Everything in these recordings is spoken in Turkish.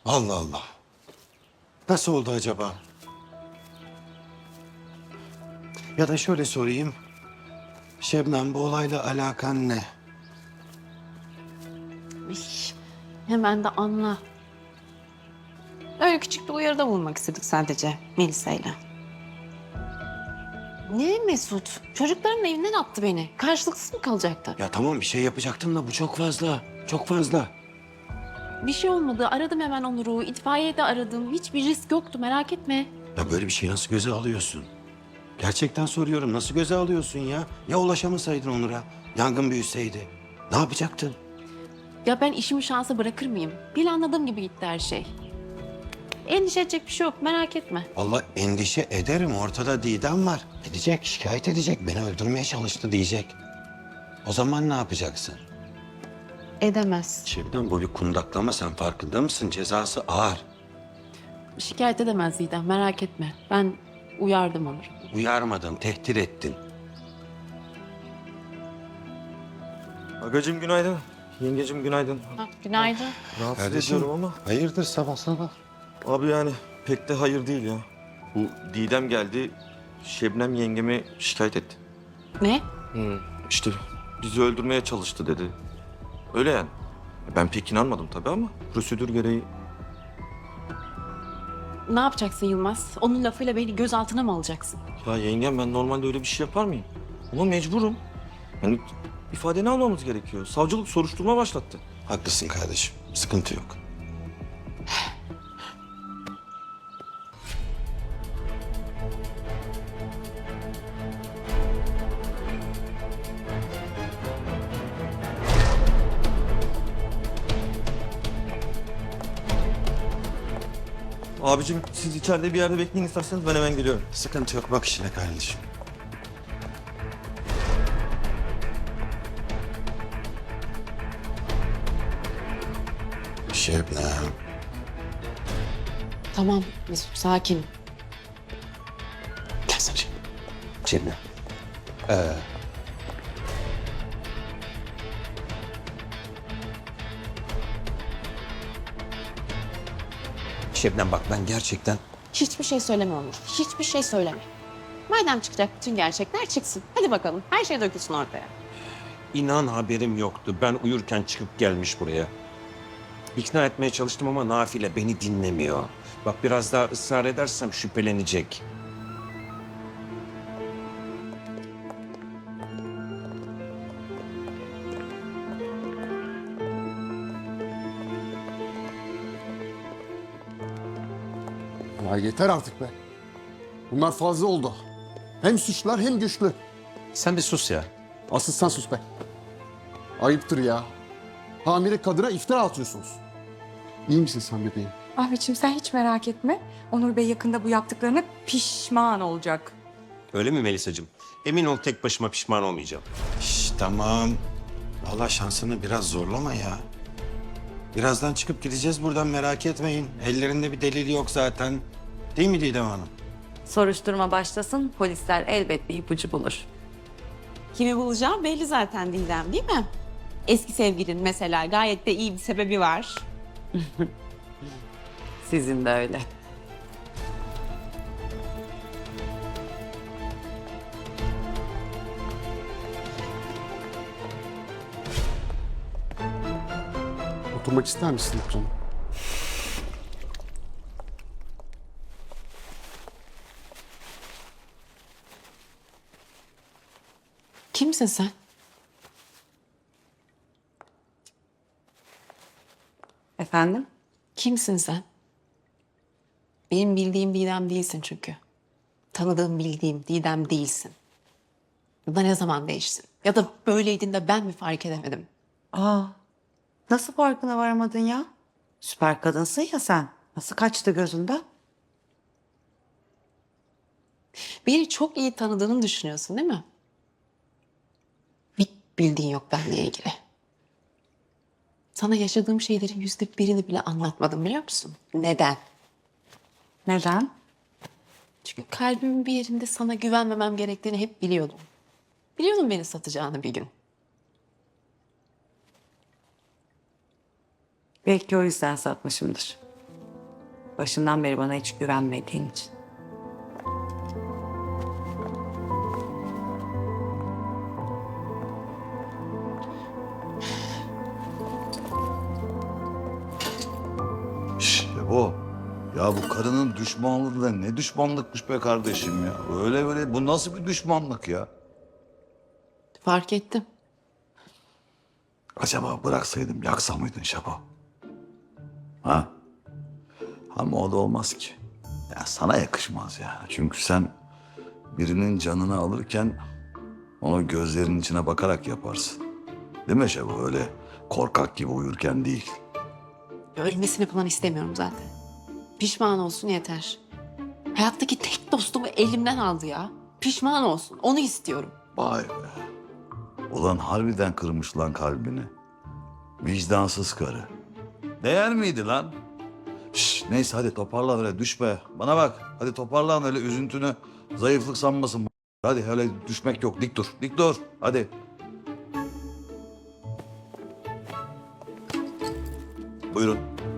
Allah Allah. Nasıl oldu acaba? Ya da şöyle sorayım. Şebnem, bu olayla alakan ne? İş, hemen de anla. Öyle küçük bir uyarıda bulunmak istedik sadece Melisa'yla. Ne Mesut? Çocukların evinden attı beni. Karşılıksız mı kalacaktı? Ya tamam, bir şey yapacaktım da bu çok fazla. Çok fazla. Bir şey olmadı. Aradım hemen Onur'u. İtfaiyeyi de aradım. Hiçbir risk yoktu, merak etme. Ya böyle bir şeyi nasıl göze alıyorsun? Gerçekten soruyorum, nasıl göze alıyorsun ya? Ya ulaşamasaydın Onur'a? Yangın büyüseydi. Ne yapacaktın? Ya ben işimi şansa bırakır mıyım? Planladığım gibi gitti her şey. Endişe edecek bir şey yok, merak etme. Vallahi endişe ederim. Ortada Didem var. Gidecek, şikayet edecek. Beni öldürmeye çalıştı diyecek. O zaman ne yapacaksın? Edemez. Şebnem, bu bir kundaklama, sen farkında mısın? Cezası ağır. Şikayet edemez Didem, merak etme. Ben uyardım Onur'u. Uyarmadın, tehdit ettin. Agacığım günaydın. Yengecim günaydın. Günaydın. Rahatsız ediyorum ama. Hayırdır sabah sabah? Abi yani pek de hayır değil ya. Bu Didem geldi, Şebnem yengemi şikayet etti. Ne? İşte bizi öldürmeye çalıştı dedi. Öyle yani. Ben pek inanmadım tabii ama prosedür gereği. Ne yapacaksın Yılmaz? Onun lafıyla beni gözaltına mı alacaksın? Ya yengem ben normalde öyle bir şey yapar mıyım? Ama mecburum. Yani ifadeni almamız gerekiyor. Savcılık soruşturma başlattı. Haklısın kardeşim, sıkıntı yok. Abicim siz içeride bir yerde bekleyin isterseniz ben hemen geliyorum. Sıkıntı yok, bak işine kardeşim. Şebnem. Tamam Mesut, sakin. Gelsene Şebnem. Şebnem. Şebnem bak, ben gerçekten... Hiçbir şey söyleme Onur. Hiçbir şey söyleme. Madem çıkacak bütün gerçekler çıksın. Hadi bakalım. Her şey dökülsün ortaya. İnan haberim yoktu. Ben uyurken çıkıp gelmiş buraya. İkna etmeye çalıştım ama Nafile beni dinlemiyor. Bak biraz daha ısrar edersem şüphelenecek. Ya yeter artık be. Bunlar fazla oldu. Hem suçlar hem güçlü. Sen bir sus ya. Asıl sen sus be. Ayıptır ya. Hamile kadına iftira atıyorsunuz. İyi misin sen bebeğim? Ahmetciğim sen hiç merak etme. Onur Bey yakında bu yaptıklarına pişman olacak. Öyle mi Melisacığım? Emin ol tek başıma pişman olmayacağım. Şş, tamam. Vallahi şansını biraz zorlama ya. Birazdan çıkıp gideceğiz buradan, merak etmeyin. Ellerinde bir delil yok zaten. Değil mi Didem Hanım? Soruşturma başlasın, polisler elbet bir ipucu bulur. Kimi bulacağım belli zaten Didem, değil mi? Eski sevgilin mesela, gayet de iyi bir sebebi var. Sizin de öyle. Oturmak ister misin canım? Kimsin sen? Efendim? Kimsin sen? Benim bildiğim Didem değilsin çünkü. Tanıdığım, bildiğim Didem değilsin. Ya da ne zaman değiştin? Ya da böyleydin de ben mi fark edemedim? Aa, nasıl farkına varamadın ya? Süper kadınsın ya sen. Nasıl kaçtı gözünden? Beni çok iyi tanıdığını düşünüyorsun değil mi? Bir bildiğin yok benimle ilgili. Sana yaşadığım şeylerin %1'ini bile anlatmadım biliyor musun? Neden? Neden? Çünkü kalbimin bir yerinde sana güvenmemem gerektiğini hep biliyordum. Biliyordum beni satacağını bir gün. Belki o yüzden satmışımdır. Başından beri bana hiç güvenmediğin için. Şebo. Ya bu karının düşmanlığı da ne düşmanlıkmış be kardeşim ya. Öyle böyle bu nasıl bir düşmanlık ya? Fark ettim. Acaba bıraksaydım yaksa mıydın Şebo? Ha? Ama o da olmaz ki. Ya sana yakışmaz ya. Çünkü sen birinin canını alırken onu gözlerinin içine bakarak yaparsın. Değil mi Şebo? Öyle korkak gibi uyurken değil. Ölmesini falan istemiyorum zaten. Pişman olsun yeter. Hayattaki tek dostumu elimden aldı ya. Pişman olsun. Onu istiyorum. Vay be. Ulan harbiden kırmış lan kalbini. Vicdansız karı. Değer miydi lan? Şş, neyse hadi toparlan öyle düşme. Bana bak hadi toparlan öyle üzüntünü zayıflık sanmasın. Hadi öyle düşmek yok dik dur. Dik dur hadi. Buyurun.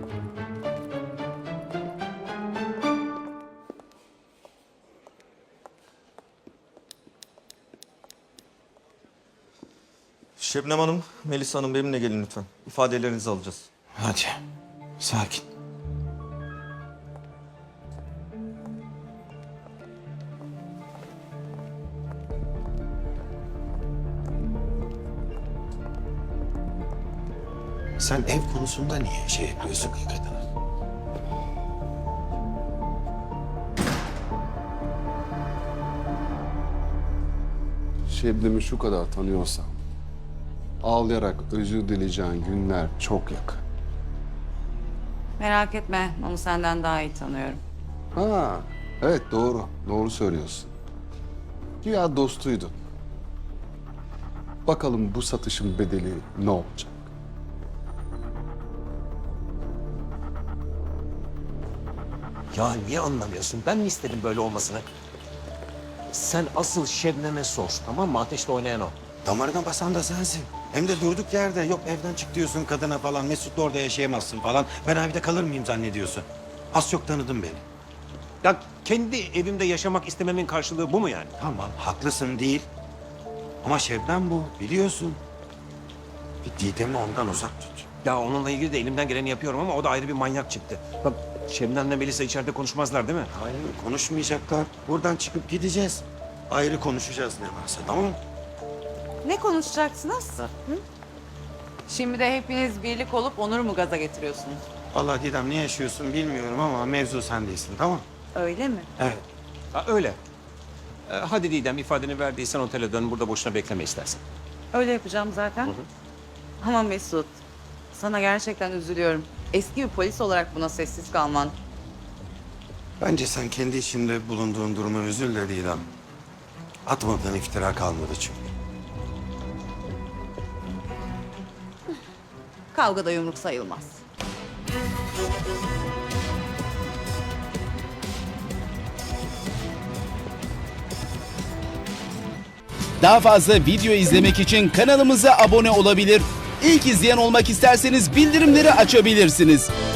Şebnem Hanım, Melisa Hanım benimle gelin lütfen. İfadelerinizi alacağız. Hadi. Sakin. Sen ev konusunda niye şey yapıyorsun ki kadına? Şebnem'i şu kadar tanıyorsam ağlayarak özür dileyeceğin günler çok yakın. Merak etme, onu senden daha iyi tanıyorum. Ha, evet doğru. Doğru söylüyorsun. Güya dostuydun. Bakalım bu satışın bedeli ne olacak? Ya niye anlamıyorsun? Ben mi istedim böyle olmasını? Sen asıl Şebnem'e sor, tamam mı? Ateşle oynayan o. Damarına basan da sensin. Hem de durduk yerde. Yok evden çık diyorsun kadına falan. Mesut'la orada yaşayamazsın falan. Ben evde kalır mıyım zannediyorsun? Az çok tanıdın beni. Ya kendi evimde yaşamak istememin karşılığı bu mu yani? Tamam haklısın değil. Ama Şebnem bu biliyorsun. Bir Didem'i ondan uzak tut. Ya onunla ilgili de elimden geleni yapıyorum ama o da ayrı bir manyak çıktı. Bak Şebnem'le Melisa içeride konuşmazlar değil mi? Hayır konuşmayacaklar. Buradan çıkıp gideceğiz. Ayrı konuşacağız ne varsa tamam mı? Ne konuşacaksınız? Hı? Şimdi de hepiniz birlik olup Onur'u mu gaza getiriyorsunuz? Vallahi Didem ne yaşıyorsun bilmiyorum ama mevzu sen değilsin tamam mı? Öyle mi? Evet. Ha, öyle. Hadi Didem ifadeni verdiysen otele dön. Burada boşuna bekleme istersen. Öyle yapacağım zaten. Ama Mesut, sana gerçekten üzülüyorum. Eski bir polis olarak buna sessiz kalman. Bence sen kendi içinde bulunduğun duruma üzül de Didem. Atmadığın iftira kalmadı çünkü. Kavgada yumruk sayılmaz. Daha fazla video izlemek için kanalımıza abone olabilir. İlk izleyen olmak isterseniz bildirimleri açabilirsiniz.